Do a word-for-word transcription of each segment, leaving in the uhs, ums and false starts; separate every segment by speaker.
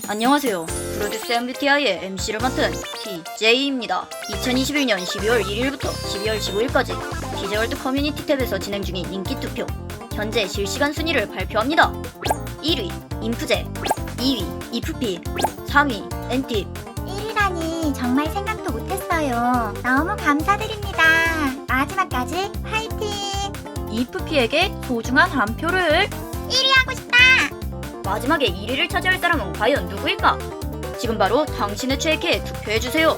Speaker 1: 안녕하세요. 프로듀스 엠비티아이의 엠씨를 맡은 티제이입니다. 이천이십일 년 십이월 일일부터 십이월 십오일까지 티제월드 커뮤니티 탭에서 진행 중인 인기 투표. 현재 실시간 순위를 발표합니다. 일 위 인프제, 이 위 이프피, 삼 위 엔팁.
Speaker 2: 일 위라니 정말 생각도 못했어요. 너무 감사드립니다. 마지막까지 화이팅!
Speaker 1: 이프피에게 소중한 한 표를.
Speaker 2: 일 위 하고 싶다!
Speaker 1: 마지막에 일 위를 차지할 사람은 과연 누구일까? 지금 바로 당신의 최애캐에 투표해주세요.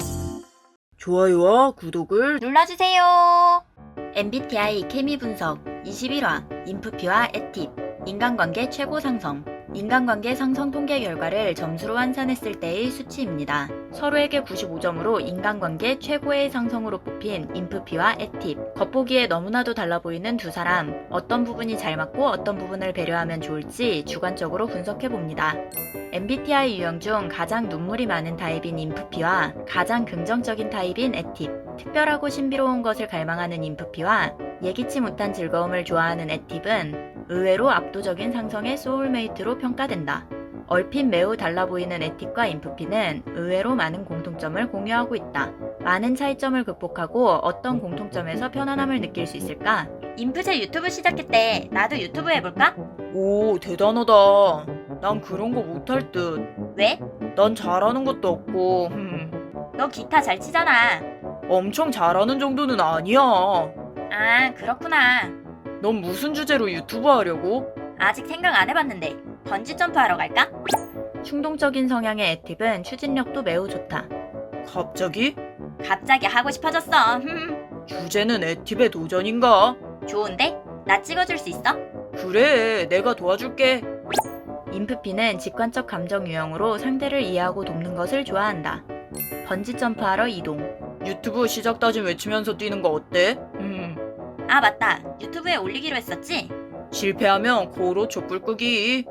Speaker 3: 좋아요와 구독을
Speaker 1: 눌러주세요. 엠비티아이 케미 분석 이십일 화 인프피와 에팁 인간관계 최고 상성. 인간관계 상성 통계 결과를 점수로 환산했을 때의 수치입니다. 서로에게 구십오 점으로 인간관계 최고의 상성으로 뽑힌 인프피와 에팁. 겉보기에 너무나도 달라 보이는 두 사람. 어떤 부분이 잘 맞고 어떤 부분을 배려하면 좋을지 주관적으로 분석해봅니다. 엠비티아이 유형 중 가장 눈물이 많은 타입인 인프피와 가장 긍정적인 타입인 에팁. 특별하고 신비로운 것을 갈망하는 인프피와 예기치 못한 즐거움을 좋아하는 에팁은 의외로 압도적인 상성의 소울메이트로 평가된다. 얼핏 매우 달라 보이는 에팁과 인프피는 의외로 많은 공통점을 공유하고 있다. 많은 차이점을 극복하고 어떤 공통점에서 편안함을 느낄 수 있을까? 인프제 유튜브 시작했대. 나도 유튜브 해볼까?
Speaker 3: 오 대단하다. 난 그런 거 못할 듯.
Speaker 1: 왜?
Speaker 3: 난 잘하는 것도 없고 흠,
Speaker 1: 너 기타 잘 치잖아.
Speaker 3: 엄청 잘하는 정도는 아니야.
Speaker 1: 아, 그렇구나.
Speaker 3: 넌 무슨 주제로 유튜브 하려고?
Speaker 1: 아직 생각 안 해봤는데 번지 점프 하러 갈까? 충동적인 성향의 에팁은 추진력도 매우 좋다.
Speaker 3: 갑자기?
Speaker 1: 갑자기 하고 싶어졌어. 흠.
Speaker 3: 주제는 에팁의 도전인가?
Speaker 1: 좋은데? 나 찍어줄 수 있어?
Speaker 3: 그래 내가 도와줄게.
Speaker 1: 인프피는 직관적 감정 유형으로 상대를 이해하고 돕는 것을 좋아한다. 번지 점프하러 이동.
Speaker 3: 유튜브 시작 다짐 외치면서 뛰는 거 어때? 음,
Speaker 1: 아, 맞다. 유튜브에 올리기로 했었지?
Speaker 3: 실패하면 고로 촛불 끄기.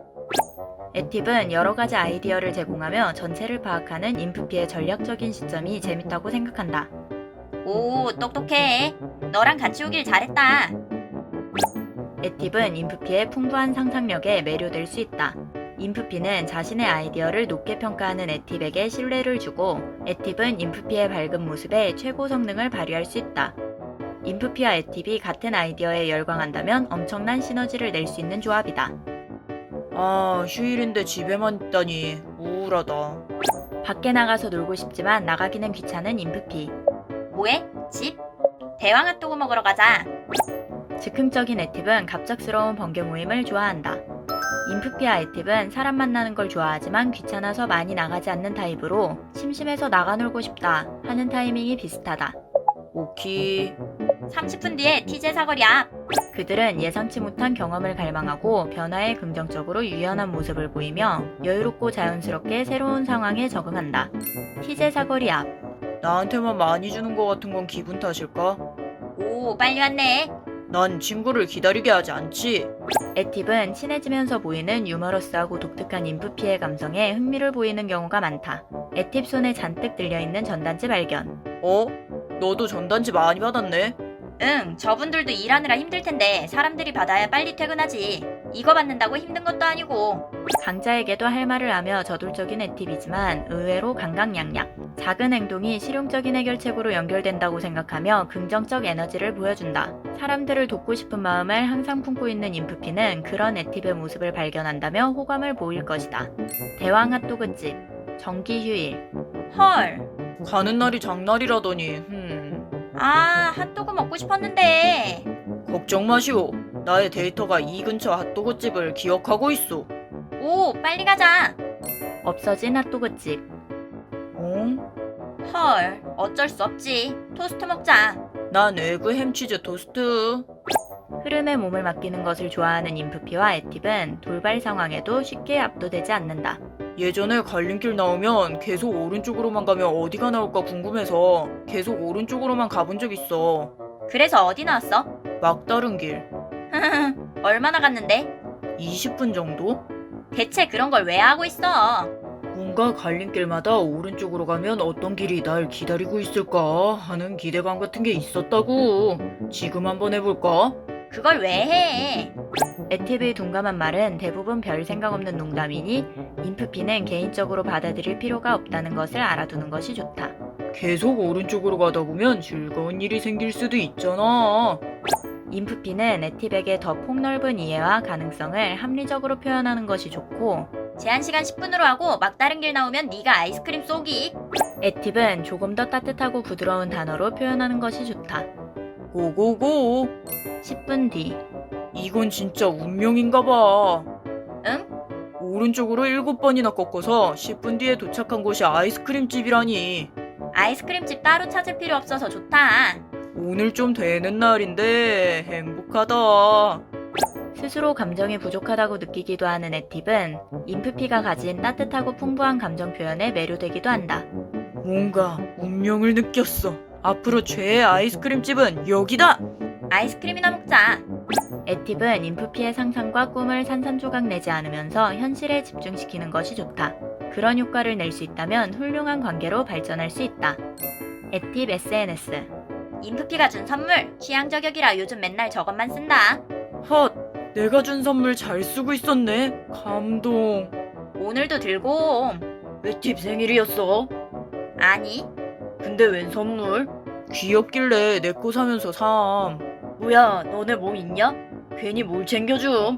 Speaker 1: 에팁은 여러 가지 아이디어를 제공하며 전체를 파악하는 인프피의 전략적인 시점이 재밌다고 생각한다. 오, 똑똑해. 너랑 같이 오길 잘했다. 에팁은 인프피의 풍부한 상상력에 매료될 수 있다. 인프피는 자신의 아이디어를 높게 평가하는 에팁에게 신뢰를 주고, 에팁은 인프피의 밝은 모습에 최고 성능을 발휘할 수 있다. 인프피와 에팁이 같은 아이디어에 열광한다면 엄청난 시너지를 낼 수 있는 조합이다.
Speaker 3: 아 휴일인데 집에만 있다니 우울하다.
Speaker 1: 밖에 나가서 놀고 싶지만 나가기는 귀찮은 인프피. 뭐해? 집? 대왕 핫도그 먹으러 가자. 즉흥적인 에팁은 갑작스러운 번개 모임을 좋아한다. 인프피와 에팁은 사람 만나는 걸 좋아하지만 귀찮아서 많이 나가지 않는 타입으로 심심해서 나가 놀고 싶다 하는 타이밍이 비슷하다.
Speaker 3: 오키.
Speaker 1: 삼십 분 뒤에 티제 사거리 앞. 그들은 예상치 못한 경험을 갈망하고 변화에 긍정적으로 유연한 모습을 보이며 여유롭고 자연스럽게 새로운 상황에 적응한다. 티제 사거리 앞.
Speaker 3: 나한테만 많이 주는 거 같은 건 기분 탓일까?
Speaker 1: 오, 빨리 왔네.
Speaker 3: 난 친구를 기다리게 하지 않지.
Speaker 1: 에팁은 친해지면서 보이는 유머러스하고 독특한 인프피의 감성에 흥미를 보이는 경우가 많다. 에팁 손에 잔뜩 들려있는 전단지 발견.
Speaker 3: 어? 너도 전단지 많이 받았네?
Speaker 1: 응, 저분들도 일하느라 힘들 텐데 사람들이 받아야 빨리 퇴근하지. 이거 받는다고 힘든 것도 아니고. 강자에게도 할 말을 하며 저돌적인 에팁이지만 의외로 강강약약. 작은 행동이 실용적인 해결책으로 연결된다고 생각하며 긍정적 에너지를 보여준다. 사람들을 돕고 싶은 마음을 항상 품고 있는 인프피는 그런 에팁의 모습을 발견한다며 호감을 보일 것이다. 대왕 핫도그집. 정기 휴일. 헐.
Speaker 3: 가는 날이 장날이라더니 흠.
Speaker 1: 아, 핫도그 먹고 싶었는데.
Speaker 3: 걱정 마시오. 나의 데이터가 이 근처 핫도그집을 기억하고 있어.
Speaker 1: 오, 빨리 가자. 없어진 핫도그집.
Speaker 3: 어?
Speaker 1: 헐, 어쩔 수 없지. 토스트 먹자.
Speaker 3: 난 에그 햄치즈 토스트.
Speaker 1: 흐름에 몸을 맡기는 것을 좋아하는 인프피와 에팁은 돌발 상황에도 쉽게 압도되지 않는다.
Speaker 3: 예전에 갈림길 나오면 계속 오른쪽으로만 가면 어디가 나올까 궁금해서 계속 오른쪽으로만 가본 적 있어.
Speaker 1: 그래서 어디 나왔어?
Speaker 3: 막다른 길.
Speaker 1: 얼마나 갔는데?
Speaker 3: 이십 분 정도?
Speaker 1: 대체 그런 걸 왜 하고 있어?
Speaker 3: 뭔가 갈림길마다 오른쪽으로 가면 어떤 길이 날 기다리고 있을까 하는 기대감 같은 게 있었다고. 지금 한번 해볼까?
Speaker 1: 그걸 왜 해? 에팁의 둔감한 말은 대부분 별 생각 없는 농담이니 인프피는 개인적으로 받아들일 필요가 없다는 것을 알아두는 것이 좋다.
Speaker 3: 계속 오른쪽으로 가다 보면 즐거운 일이 생길 수도 있잖아.
Speaker 1: 인프피는 에팁에게 더 폭넓은 이해와 가능성을 합리적으로 표현하는 것이 좋고 제한 시간 십 분으로 하고 막다른 길 나오면 네가 아이스크림 쏘기. 에팁은 조금 더 따뜻하고 부드러운 단어로 표현하는 것이 좋다.
Speaker 3: 고고고.
Speaker 1: 십 분 뒤.
Speaker 3: 이건 진짜 운명인가 봐.
Speaker 1: 응?
Speaker 3: 오른쪽으로 일곱 번이나 꺾어서 십 분 뒤에 도착한 곳이 아이스크림집이라니.
Speaker 1: 아이스크림집 따로 찾을 필요 없어서 좋다.
Speaker 3: 오늘 좀 되는 날인데 행복하다.
Speaker 1: 스스로 감정이 부족하다고 느끼기도 하는 에팁은 인프피가 가진 따뜻하고 풍부한 감정 표현에 매료되기도 한다.
Speaker 3: 뭔가 운명을 느꼈어. 앞으로 최애 아이스크림집은 여기다!
Speaker 1: 아이스크림이나 먹자. 에팁은 인프피의 상상과 꿈을 산산조각 내지 않으면서 현실에 집중시키는 것이 좋다. 그런 효과를 낼 수 있다면 훌륭한 관계로 발전할 수 있다. 에팁 에스엔에스. 인프피가 준 선물 취향 저격이라 요즘 맨날 저것만 쓴다.
Speaker 3: 헛! 내가 준 선물 잘 쓰고 있었네. 감동.
Speaker 1: 오늘도 들고 옴.
Speaker 3: 에팁 생일이었어?
Speaker 1: 아니,
Speaker 3: 근데 웬 선물? 귀엽길래 내 거 사면서 삼.
Speaker 1: 뭐야, 너네 뭐 있냐? 괜히 뭘 챙겨줌.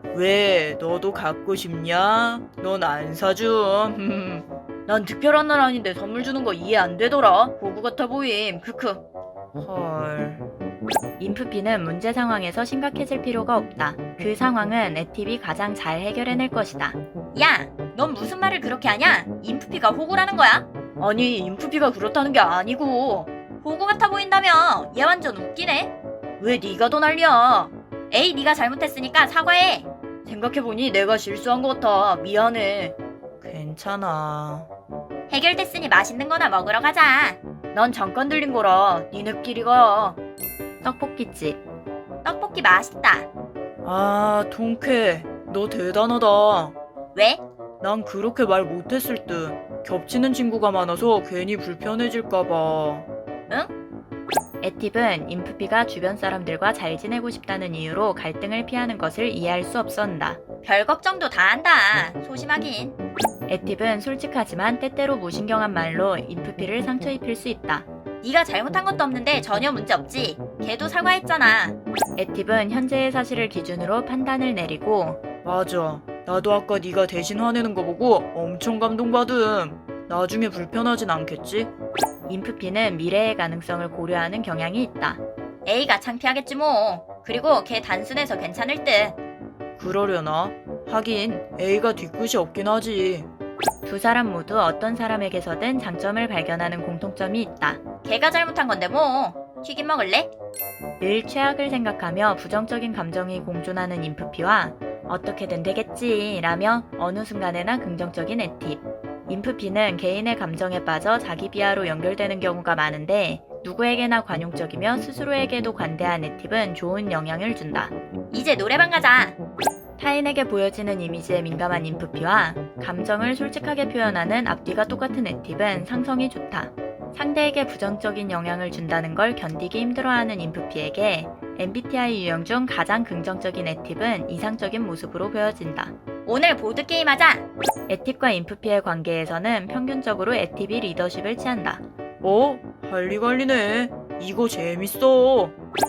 Speaker 3: 왜 너도 갖고 싶냐? 넌 안 사줌.
Speaker 1: 난 특별한 날 아닌데 선물 주는 거 이해 안 되더라. 보구 같아 보임. 크크.
Speaker 3: 헐.
Speaker 1: 인프피는 문제 상황에서 심각해질 필요가 없다. 그 상황은 에팁이 가장 잘 해결해낼 것이다. 야, 넌 무슨 말을 그렇게 하냐? 인프피가 호구라는 거야? 아니, 인프피가 그렇다는 게 아니고 호구 같아 보인다며. 얘 완전 웃기네. 왜 네가 더 난리야? 에이, 네가 잘못했으니까 사과해. 생각해보니 내가 실수한 것 같아. 미안해.
Speaker 3: 괜찮아.
Speaker 1: 해결됐으니 맛있는 거나 먹으러 가자. 넌 잠깐 들린 거라 니네끼리 가. 떡볶이집. 떡볶이 맛있다.
Speaker 3: 아, 통쾌. 너 대단하다.
Speaker 1: 왜?
Speaker 3: 난 그렇게 말 못했을 듯. 겹치는 친구가 많아서 괜히 불편해질까봐. 에팁은 인프피가 주변 사람들과 잘 지내고 싶다는 이유로 갈등을 피하는 것을 이해할 수 없었다. 별 걱정도 다 한다. 소심하긴. 에팁은 솔직하지만 때때로 무신경한 말로 인프피를 상처 입힐 수 있다. 네가 잘못한 것도 없는데 전혀 문제 없지. 걔도 사과했잖아. 에팁은 현재의 사실을 기준으로 판단을 내리고 맞아. 나도 아까 네가 대신 화내는 거 보고 엄청 감동받음. 나중에 불편하진 않겠지?
Speaker 1: 인프피는 미래의 가능성을 고려하는 경향이 있다. A가 창피하겠지 뭐. 그리고 걔 단순해서 괜찮을 듯.
Speaker 3: 그러려나? 하긴 A가 뒤끝이 없긴 하지.
Speaker 1: 두 사람 모두 어떤 사람에게서든 장점을 발견하는 공통점이 있다. 걔가 잘못한 건데 뭐. 튀김 먹을래? 늘 최악을 생각하며 부정적인 감정이 공존하는 인프피와 어떻게든 되겠지 라며 어느 순간에나 긍정적인 에팁. 인프피는 개인의 감정에 빠져 자기 비하로 연결되는 경우가 많은데 누구에게나 관용적이며 스스로에게도 관대한 에팁은 좋은 영향을 준다. 이제 노래방 가자. 타인에게 보여지는 이미지에 민감한 인프피와 감정을 솔직하게 표현하는 앞뒤가 똑같은 에팁은 상성이 좋다. 상대에게 부정적인 영향을 준다는 걸 견디기 힘들어하는 인프피에게 엠비티아이 유형 중 가장 긍정적인 에팁은 이상적인 모습으로 보여진다. 오늘 보드게임 하자! 에팁과 인프피의 관계에서는 평균적으로 에팁이 리더십을 취한다.
Speaker 3: 어? 할리갈리네. 이거 재밌어.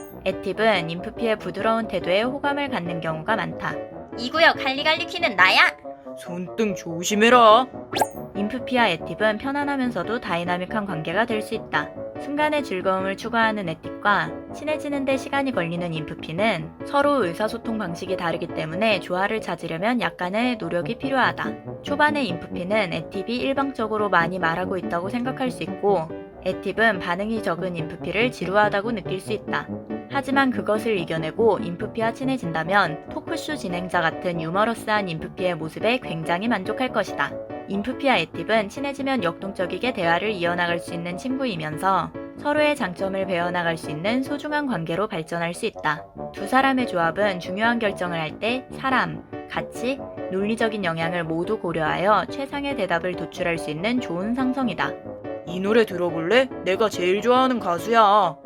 Speaker 1: 에팁은 인프피의 부드러운 태도에 호감을 갖는 경우가 많다. 이 구역 할리갈리 퀴는 나야!
Speaker 3: 손등 조심해라.
Speaker 1: 인프피와 에팁은 편안하면서도 다이나믹한 관계가 될 수 있다. 순간의 즐거움을 추구하는 에팁과 친해지는 데 시간이 걸리는 인프피는 서로 의사소통 방식이 다르기 때문에 조화를 찾으려면 약간의 노력이 필요하다. 초반에 인프피는 에팁이 일방적으로 많이 말하고 있다고 생각할 수 있고 에팁은 반응이 적은 인프피를 지루하다고 느낄 수 있다. 하지만 그것을 이겨내고 인프피와 친해진다면 토크쇼 진행자 같은 유머러스한 인프피의 모습에 굉장히 만족할 것이다. 인프피와 에팁은 친해지면 역동적이게 대화를 이어나갈 수 있는 친구이면서 서로의 장점을 배워나갈 수 있는 소중한 관계로 발전할 수 있다. 두 사람의 조합은 중요한 결정을 할 때 사람, 가치, 논리적인 영향을 모두 고려하여 최상의 대답을 도출할 수 있는 좋은 상성이다.
Speaker 3: 이 노래 들어볼래? 내가 제일 좋아하는 가수야.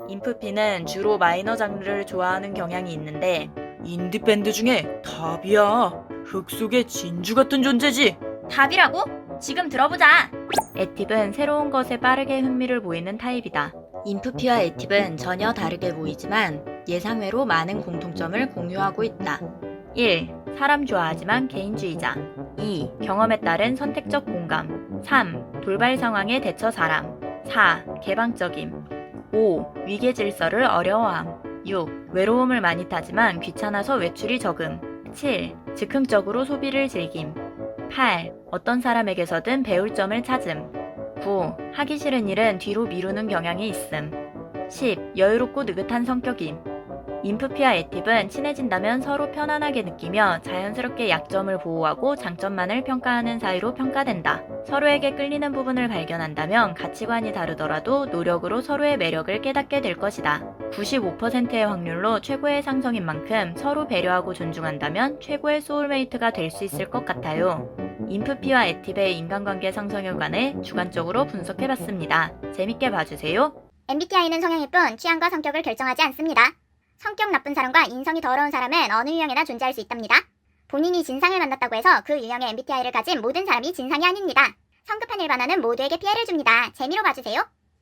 Speaker 3: 인프피는 주로 마이너 장르를 좋아하는 경향이 있는데
Speaker 4: 인디밴드 중에 답이야. 흙 속의 진주 같은 존재지.
Speaker 1: 답이라고? 지금 들어보자.
Speaker 3: 에팁은 새로운 것에 빠르게 흥미를 보이는 타입이다.
Speaker 1: 인프피와 에팁은 전혀 다르게 보이지만 예상외로 많은 공통점을 공유하고 있다.
Speaker 3: 일. 사람 좋아하지만 개인주의자. 이. 경험에 따른 선택적 공감. 삼. 돌발 상황에 대처 사람. 사. 개방적임. 오. 위계 질서를 어려워함. 육. 외로움을 많이 타지만 귀찮아서 외출이 적음. 칠. 즉흥적으로 소비를 즐김. 팔. 어떤 사람에게서든 배울 점을 찾음. 구. 하기 싫은 일은 뒤로 미루는 경향이 있음. 십. 여유롭고 느긋한 성격임. 인프피와 에팁은 친해진다면 서로 편안하게 느끼며 자연스럽게 약점을 보호하고 장점만을 평가하는 사이로 평가된다. 서로에게 끌리는 부분을 발견한다면 가치관이 다르더라도 노력으로 서로의 매력을 깨닫게 될 것이다. 구십오 퍼센트의 확률로 최고의 상성인 만큼 서로 배려하고 존중한다면 최고의 소울메이트가 될 수 있을 것 같아요. 인프피와 에팁의 인간관계 상성에 관해 주관적으로 분석해봤습니다. 재밌게 봐주세요.
Speaker 2: 엠비티아이는 성향일 뿐 취향과 성격을 결정하지 않습니다. 성격 나쁜 사람과 인성이 더러운 사람은 어느 유형에나 존재할 수 있답니다. 본인이 진상을 만났다고 해서 그 유형의 엠비티아이를 가진 모든 사람이 진상이 아닙니다. 성급한 일반화는 모두에게 피해를 줍니다. 재미로 봐주세요.